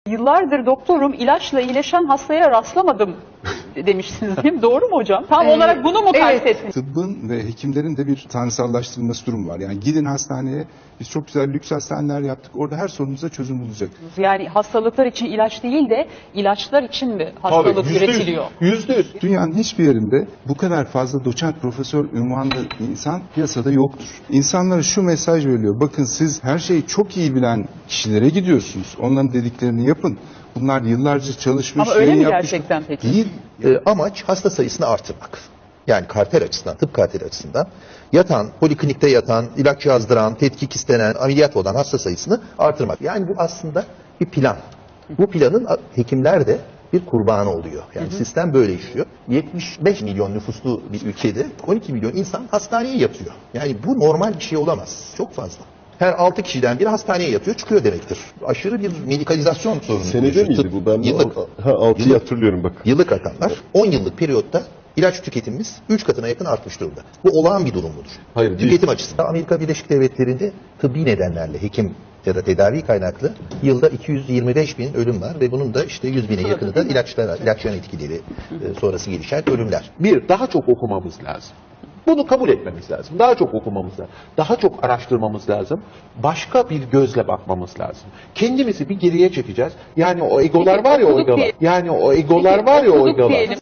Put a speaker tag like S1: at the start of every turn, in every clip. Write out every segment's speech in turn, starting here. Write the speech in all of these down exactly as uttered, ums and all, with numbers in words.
S1: Yıllardır doktorum, ilaçla iyileşen hastaya rastlamadım demişsiniz değil mi? Doğru mu hocam? Tam
S2: Ee,
S1: olarak bunu mu
S2: evet.
S1: kastettiniz?
S3: Tıbbın ve hekimlerin de bir tanrısallaştırılması durumu var. Yani gidin hastaneye, biz çok güzel lüks hastaneler yaptık. Orada her sorunuza çözüm bulacak.
S1: Yani hastalıklar için ilaç değil de ilaçlar için mi hastalık
S4: Tabii, yüzde yüz,
S1: üretiliyor?
S4: Yüzde yüz.
S3: Dünyanın hiçbir yerinde bu kadar fazla doçent, profesör ünvanlı insan piyasada yoktur. İnsanlara şu mesaj veriliyor. Bakın siz her şeyi çok iyi bilen kişilere gidiyorsunuz. Onların dediklerini yapın. Bunlar yıllarca çalışmış,
S1: Ama öyle
S3: yayın
S1: mi
S3: yapmış.
S1: gerçekten peki?
S3: Değil.
S2: E, amaç hasta sayısını artırmak. Yani kalter açısından, tıp kalteri açısından yatan, poliklinikte yatan, ilaç yazdıran, tetkik istenen, ameliyat olan hasta sayısını artırmak. Yani bu aslında bir plan. Bu planın hekimler de bir kurbanı oluyor. Yani hı hı. Sistem böyle işliyor. yetmiş beş milyon nüfuslu bir ülkede on iki milyon insan hastaneye yatıyor. Yani bu normal bir şey olamaz. Çok fazla. Her altı kişiden biri hastaneye yatıyor, çıkıyor demektir. Aşırı bir medikalizasyon sorunu.
S4: Senede miydi bu? Ben
S2: yıllık,
S4: ha, altıyı hatırlıyorum bak.
S2: Yıllık rakamlar. on yıllık periyotta ilaç tüketimimiz üç katına yakın artmış durumda. Bu olağan bir durum mudur?
S4: Hayır,
S2: Tüketim
S4: değil.
S2: açısından Amerika Birleşik Devletleri'nde tıbbi nedenlerle hekim ya da tedavi kaynaklı yılda iki yüz yirmi beş bin ölüm var ve bunun da işte yüz bine yakını da ilaçlara, ilaç yan etkileri e, sonrası gelişen ölümler.
S4: Bir, daha çok okumamız lazım. Bunu kabul etmemiz lazım. Daha çok okumamız lazım. Daha çok araştırmamız lazım. Başka bir gözle bakmamız lazım. Kendimizi bir geriye çekeceğiz. Yani o egolar
S1: Peki,
S4: var ya o
S1: okuduk
S4: egolar.
S1: diyelim.
S4: Yani o egolar
S1: Peki,
S4: var ya o
S1: okuduk
S4: egolar.
S1: diyelim.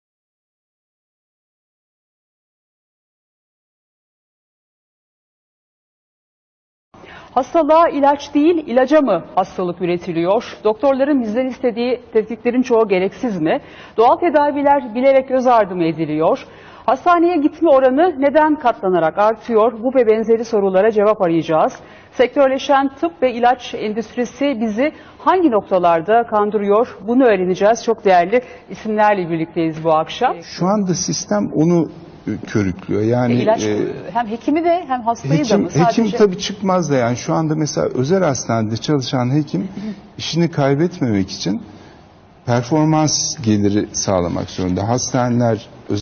S1: Hastalığa ilaç değil, ilaca mı hastalık üretiliyor? Doktorların bizden istediği tetkiklerin çoğu gereksiz mi? Doğal tedaviler bilerek göz ardı mı ediliyor? Hastaneye gitme oranı neden katlanarak artıyor? Bu ve benzeri sorulara cevap arayacağız. Sektörleşen tıp ve ilaç endüstrisi bizi hangi noktalarda kandırıyor? Bunu öğreneceğiz. Çok değerli isimlerle birlikteyiz bu akşam.
S3: Şu anda sistem onu körüklüyor. Yani
S1: E, ilaç
S3: e,
S1: hem hekimi de hem hastayı
S3: hekim,
S1: da mı? Sadece...
S3: Hekim tabii çıkmaz da yani şu anda mesela özel hastanede çalışan hekim işini kaybetmemek için performans geliri sağlamak zorunda. Hastaneler